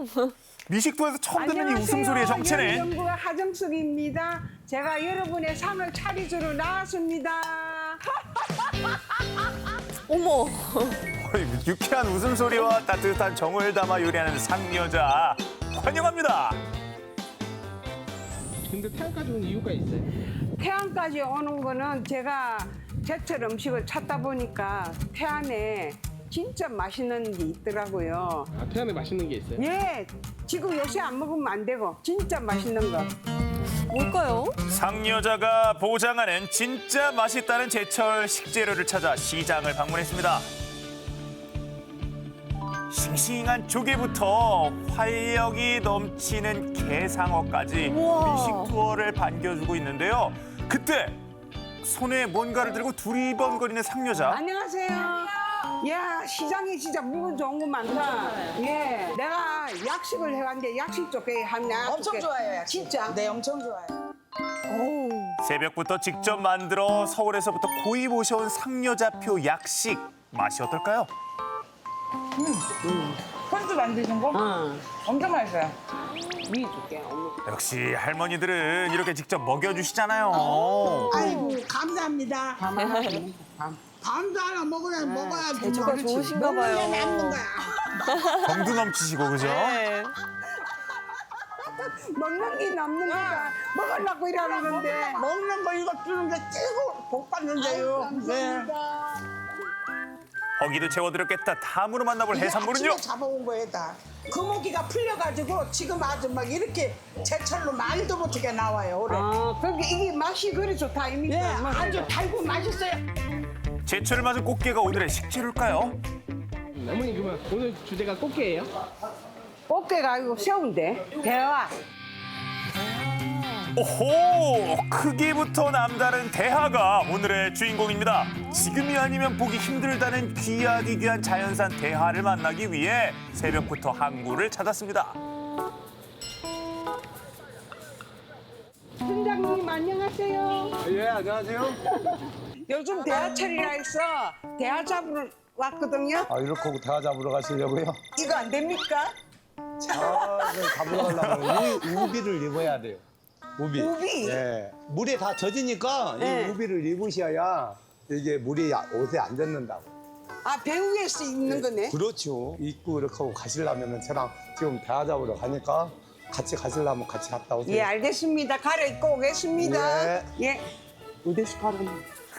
미식도에서 처음 듣는 이 웃음소리의 정체는 연구가 하정숙입니다. 제가 여러분의 상을 차리주러 나왔습니다. 어머. 유쾌한 웃음소리와 따뜻한 정을 담아 요리하는 상여자 환영합니다. 근데 태안까지 온 이유가 있어요? 태안까지 오는 거는 제가 제철 음식을 찾다 보니까 태안에 진짜 맛있는 게 있더라고요. 아, 태안에 맛있는 게 있어요? 예, 지금 요새 안 먹으면 안 되고 진짜 맛있는 거. 뭘까요? 상여자가 보장하는 진짜 맛있다는 제철 식재료를 찾아 시장을 방문했습니다. 싱싱한 조개부터 활력이 넘치는 게상어까지 우와. 미식 투어를 반겨주고 있는데요. 그때 손에 뭔가를 들고 두리번거리는 상여자. 안녕하세요. 야, 시장에 진짜 물건 좋은 거 많다. 예, 내가 약식을 해왔는데 약식 쪽에 하면 엄청 좋아요, 약식. 진짜? 네, 엄청 좋아요. 새벽부터 직접 만들어 서울에서부터 고이 모셔온 상여자표 약식. 맛이 어떨까요? 콘도 만드신 거? 엄청 맛있어요. 위 줄게. 역시 할머니들은 이렇게 직접 먹여주시잖아요. 아이고 감사합니다. 밤도 하나 먹어야 재주가 좋으신가 봐요. 남는 거야. 정도 넘치시고 그죠? 네. 먹는 게 남는 거다. 먹으려고 이러는데. 먹는 거 이거 주는 게 최고 복 받는데요. 네. 허기도 채워드렸겠다. 다음으로 만나볼 해산물은요? 아침에 잡아온 거에 다. 금어기가 풀려가지고 지금 아주 막 이렇게 제철로 말도 못하게 나와요 올해. 아, 그러니까 이게 맛이 그리 좋다, 입니까? 예, 아주 달고 맛있어요. 제철을 맞은 꽃게가 오늘의 식재료일까요? 어머니 그러면 오늘 주제가 꽃게예요? 꽃게가 아니고 새우인데. 대화. 오호! 크기부터 남다른 대하가 오늘의 주인공입니다. 지금이 아니면 보기 힘들다는 귀하디 귀한 자연산 대하를 만나기 위해 새벽부터 항구를 찾았습니다. 팀장님, 안녕하세요. 예, 안녕하세요. 요즘 대하철이라 해서 대하 잡으러 왔거든요. 아, 이렇게 하고 대화 잡으러 가시려고요? 이거 안 됩니까? 잡으러 가려면 우비를 입어야 돼요. 우비. 우비? 예. 물에 다 젖으니까 네. 이 우비를 입으셔야 이게 물이 옷에 안 젖는다고. 아, 배 위에서 입는 거네. 그렇죠. 입고 이렇게 하고 가시려면 저랑 지금 대화 잡으러 가니까 같이 가시려면 같이 갔다 오세요. 예, 알겠습니다. 갈아입고 오겠습니다. 네. 예. 어디서 갈아입는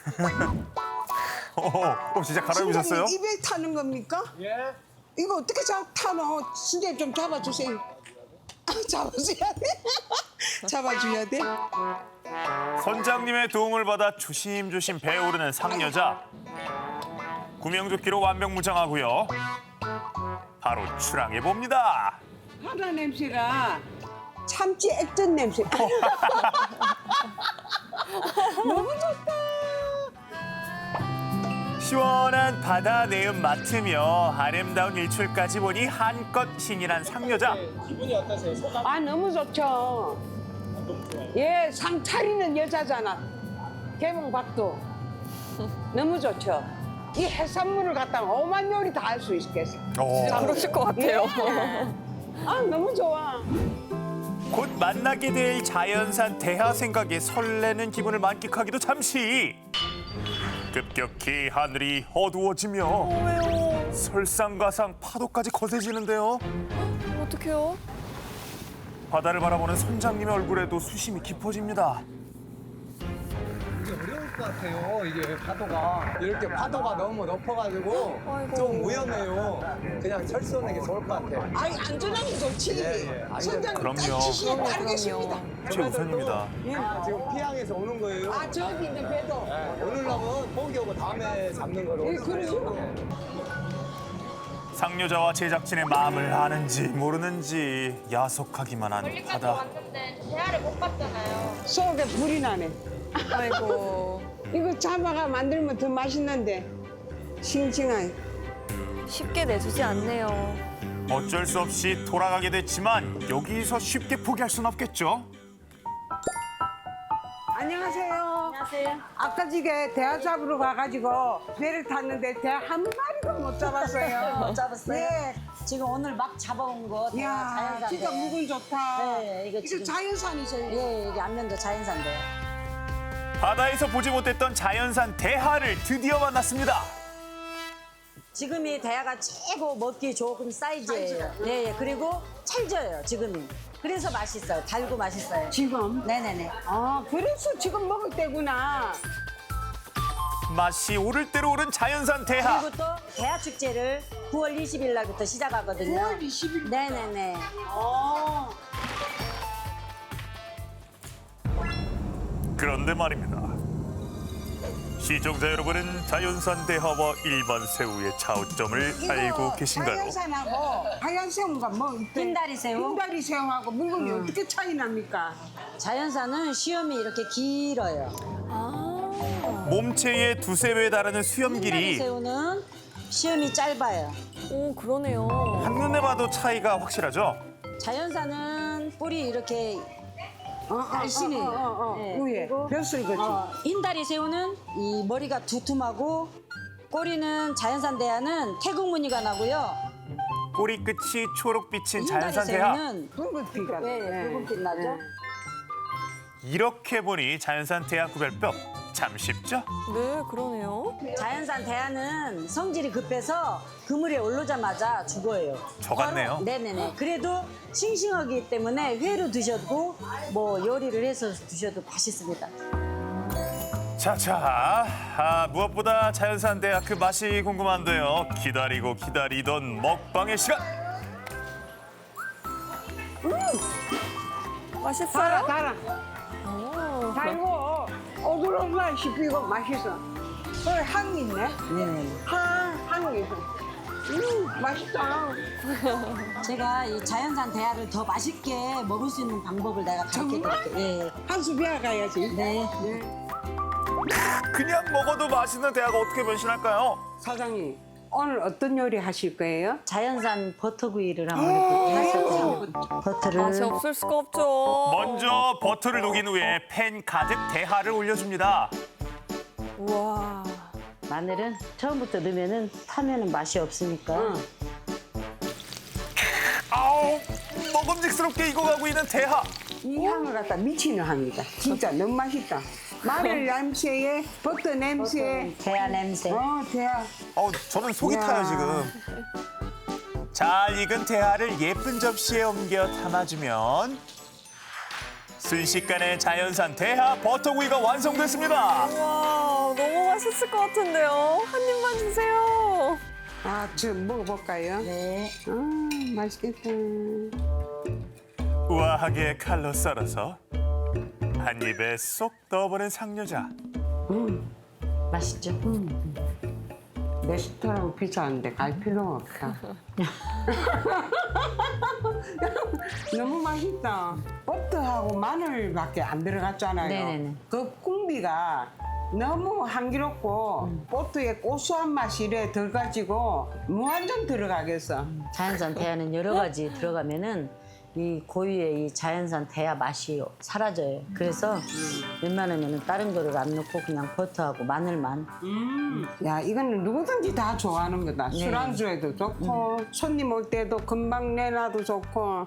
진짜 갈아입으셨어요? 팀장님, 입에 타는 겁니까? 예. 이거 어떻게 타노? 선생님 좀 잡아주세요. 잡아줘야 돼? 잡아줘야 돼? 선장님의 도움을 받아 조심조심 배에 오르는 상여자. 구명조끼로 완벽무장하고요. 바로 출항해봅니다. 바다 냄새가 참치 액젓 냄새. 너무 좋다. 시원한 바다 내음 맡으며 아름다운 일출까지 보니 한껏 신이 난 상여자. 기분이 어떠세요? 소감? 아, 너무 좋죠. 예, 상 차리는 여자잖아. 개봉박도. 너무 좋죠. 이 해산물을 갖다가 오만 요리 다 할 수 있겠어. 그러실 것 같아요. 아, 너무 좋아. 곧 만나게 될 자연산 대하 생각에 설레는 기분을 만끽하기도 잠시. 급격히 하늘이 어두워지며 설상가상 파도까지 거세지는데요. 어떡해요? 바다를 바라보는 선장님의 얼굴에도 수심이 깊어집니다. 이게 어려울 것 같아요. 이게 파도가. 이렇게 파도가 너무 높아가지고 아이고. 좀 위험해요. 그냥 철수하는 게 좋을 것 같아요. 아이 안전하게 좋지. 예. 선장님 그럼요. 지시에 따르겠습니다. 최우선입니다. 지금 피항에서 오는 거예요. 아 저기 있는 배도. 오늘날은 포기 오고 다음에 잡는 거로. 예, 그러죠. 상여자와 제작진의 마음을 아는지 모르는지 야속하기만 한 멀리까지 바다. 왔는데 대화를 못 봤잖아요. 속에 불이 나네. 아이고. 이거 잡아가 만들면 더 맛있는데. 싱싱하게. 쉽게 내주지 않네요. 어쩔 수 없이 돌아가게 됐지만 여기서 쉽게 포기할 순 없겠죠. 안녕하세요. 안녕하세요. 아까 지게 대하 잡으러 가가지고 배를 탔는데 대하 한 마리도 못 잡았어요. 못 잡았어요? 예. 지금 오늘 막 잡아온 거 다 이야, 자연산. 진짜 묵은 좋다. 네, 이거 지금 자연산이세요? 예, 이게 안면도 자연산데. 바다에서 보지 못했던 자연산 대하를 드디어 만났습니다. 지금이 대하가 최고 먹기 좋은 사이즈예요. 예, 예. 그리고 찰져요, 지금이. 그래서 맛있어요. 달고 맛있어요. 지금? 네네네. 아, 그래서 지금 먹을 때구나. 맛이 오를 대로 오른 자연산 대하. 그리고 또 대하 축제를 9월 20일 날부터 시작하거든요. 9월 20일? 네네네. 그런데 말입니다. 시청자 여러분은 자연산 대하와 일반 새우의 차이점을 알고 계신가요? 자연산하고 하얀 새우가 뭐 있대? 흰다리 새우? 흰다리 새우하고 묵은이 어떻게 차이 납니까? 자연산은 시험이 이렇게 길어요. 몸체의 두세 배 달하는 수염 흰다리 길이 새우는 시험이 짧아요. 오, 그러네요. 한눈에 봐도 차이가 확실하죠? 자연산은 뿔이 이렇게 날씬해요. 네. 위에 그리고 벼슬 거지. 흰다리 새우는 이 머리가 두툼하고 꼬리는 자연산 대하는 태국 무늬가 나고요. 꼬리 끝이 초록빛인 흰다리 자연산 대하. 새우는 붉은피가. 네, 붉은빛 나죠. 이렇게 보니 자연산 대하 구별법 참 쉽죠? 네, 그러네요. 자연산 대하는 성질이 급해서 그물에 오르자마자 죽어요. 저 같네요. 네네네. 그래도 싱싱하기 때문에 회로 드셔도 뭐 요리를 해서 드셔도 맛있습니다. 자자, 무엇보다 자연산 대하 그 맛이 궁금한데요. 기다리고 기다리던 먹방의 시간. 맛있어요? 달아. 달고 오돌오돌 씹히고 맛있어. 향 있네. 네네. 향이 있어. 맛있다. 제가 이 자연산 대하를 더 맛있게 먹을 수 있는 방법을 내가 가르쳐 드릴게요. 예. 한수 배워 가야지. 네. 그냥 먹어도 맛있는 대하가 어떻게 변신할까요? 사장님, 오늘 어떤 요리 하실 거예요? 자연산 버터구이를 한번 이렇게 해서 버터를 맛이 없을 수가 없죠. 먼저 버터를 녹인 후에 팬 가득 대하를 올려줍니다. 우와. 마늘은 처음부터 넣으면은 타면은 맛이 없으니까. 아우, 먹음직스럽게 익어가고 있는 대하. 이 향을 갖다 미치는 향이다. 진짜 너무 맛있다. 마늘 냄새에 버터 냄새에 대하 냄새. 대하. 저는 속이 이야. 타요 지금. 잘 익은 대하를 예쁜 접시에 옮겨 담아주면 순식간에 자연산 대하 버터구이가 완성됐습니다. 와, 너무 맛있을 것 같은데요. 한 입만 주세요. 아, 저 먹어볼까요? 네. 맛있겠다. 우아하게 칼로 썰어서 한 입에 쏙 넣어보는 상여자. 맛있죠? 레스토랑 비싸는데 갈 필요가 없다. 너무 맛있다. 버터하고 마늘밖에 안 들어갔잖아요. 네네네. 그 꿍비가 너무 향기롭고 버터의 고소한 맛이 이래 들어가지고 무한정 들어가겠어. 자연산 대하는 여러 가지 들어가면은 이 고유의 이 자연산 대하 맛이 사라져요. 그래서 웬만하면 다른 거를 안 넣고 그냥 버터하고 마늘만. 야, 이거는 누구든지 다 좋아하는 거다. 네. 술안주에도 좋고 손님 올 때도 금방 내놔도 좋고.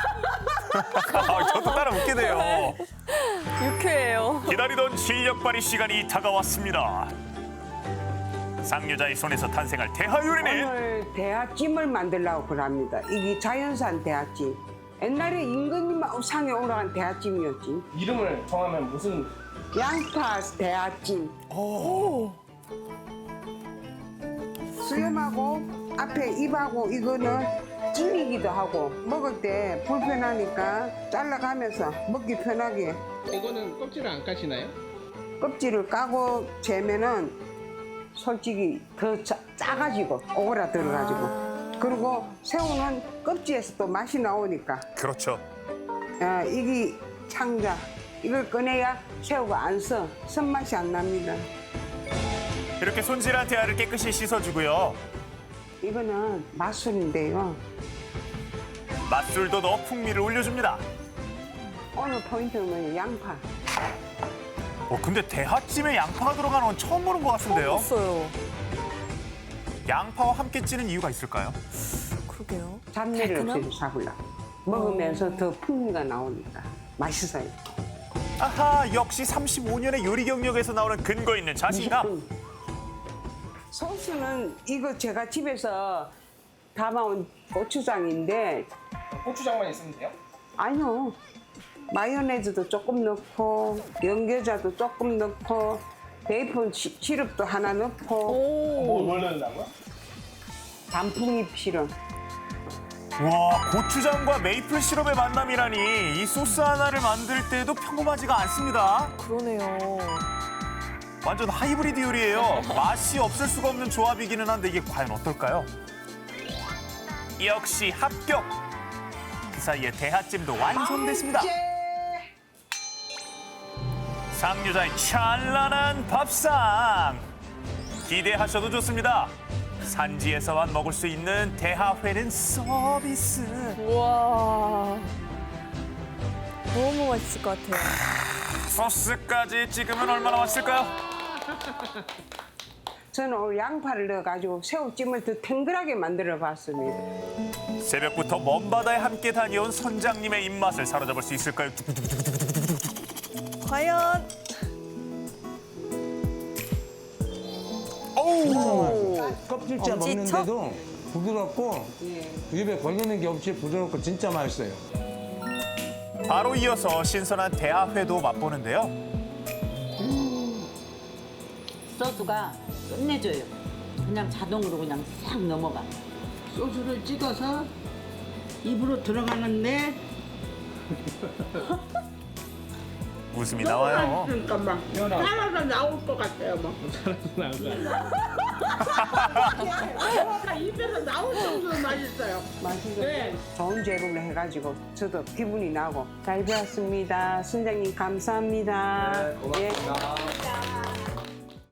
저도 따라 웃게 돼요. 유쾌해요. 기다리던 실력 발휘 시간이 다가왔습니다. 상여자의 손에서 탄생할 대하 요리는 오늘 대하찜을 만들려고 그럽니다. 이게 자연산 대하찜. 옛날에 임금님 상에 올라간 대하찜이었지. 이름을 정하면 무슨 양파 대하찜. 수염하고 앞에 입하고 이거는 찜이기도 하고 먹을 때 불편하니까 잘라가면서 먹기 편하게 이거는 껍질을 안 까시나요? 껍질을 까고 재면은 솔직히 더 짜가지고 오그라 들어가지고 그리고 새우는 껍질에서 또 맛이 나오니까 그렇죠. 이게 창자 이걸 꺼내야 새우가 안 써 손맛이 안 납니다. 이렇게 손질한 대하를 깨끗이 씻어주고요. 이거는 맛술인데요. 맛술도 넣어 풍미를 올려줍니다. 오늘 포인트는 양파. 근데 대하찜에 양파가 들어가는 건 처음 보는 것 같은데요. 없어요. 양파와 함께 찌는 이유가 있을까요? 그러게요. 잡내를 없애서 잡으려고. 먹으면서 더 풍미가 나오니까 맛있어요. 아하, 역시 35년의 요리 경력에서 나오는 근거 있는 자신감. 소스는 이거 제가 집에서 담아온 고추장인데 고추장만 있으면 돼요? 아니요. 마요네즈도 조금 넣고 연겨자도 조금 넣고 베이컨 시럽도 하나 넣고 뭘 넣는다고요? 단풍잎 시럽. 와, 고추장과 메이플 시럽의 만남이라니 이 소스 하나를 만들 때도 평범하지가 않습니다. 그러네요. 완전 하이브리드 요리예요. 맛이 없을 수가 없는 조합이기는 한데 이게 과연 어떨까요? 역시 합격! 그 사이에 대하찜도 완성됐습니다. 상류자의 찬란한 밥상! 기대하셔도 좋습니다. 산지에서만 먹을 수 있는 대하회는 서비스. 우와. 너무 맛있을 것 같아요. 소스까지 찍으면 얼마나 맛있을까요? 저는 오늘 양파를 넣어가지고 새우찜을 더 탱글하게 만들어 봤습니다. 새벽부터 먼 바다에 함께 다녀온 선장님의 입맛을 사로잡을 수 있을까요? 과연 어우! 껍질째 엄지척? 먹는데도 부드럽고 입에 걸리는 게 없이 부드럽고 진짜 맛있어요. 바로 이어서 신선한 대하회도 맛보는데요. 소스가 끝내줘요. 그냥 자동으로 그냥 싹 넘어가. 소스를 찍어서 입으로 들어가는데 웃음이 나와요. 그러니까 막 살아서 나올 것 같아요. 막. 입에서 나올 정도로 맛있어요. 맛있어요. 네. 좋은 재료로 해가지고 저도 기분이 나고 잘 배웠습니다. 선생님 감사합니다. 고맙습니다.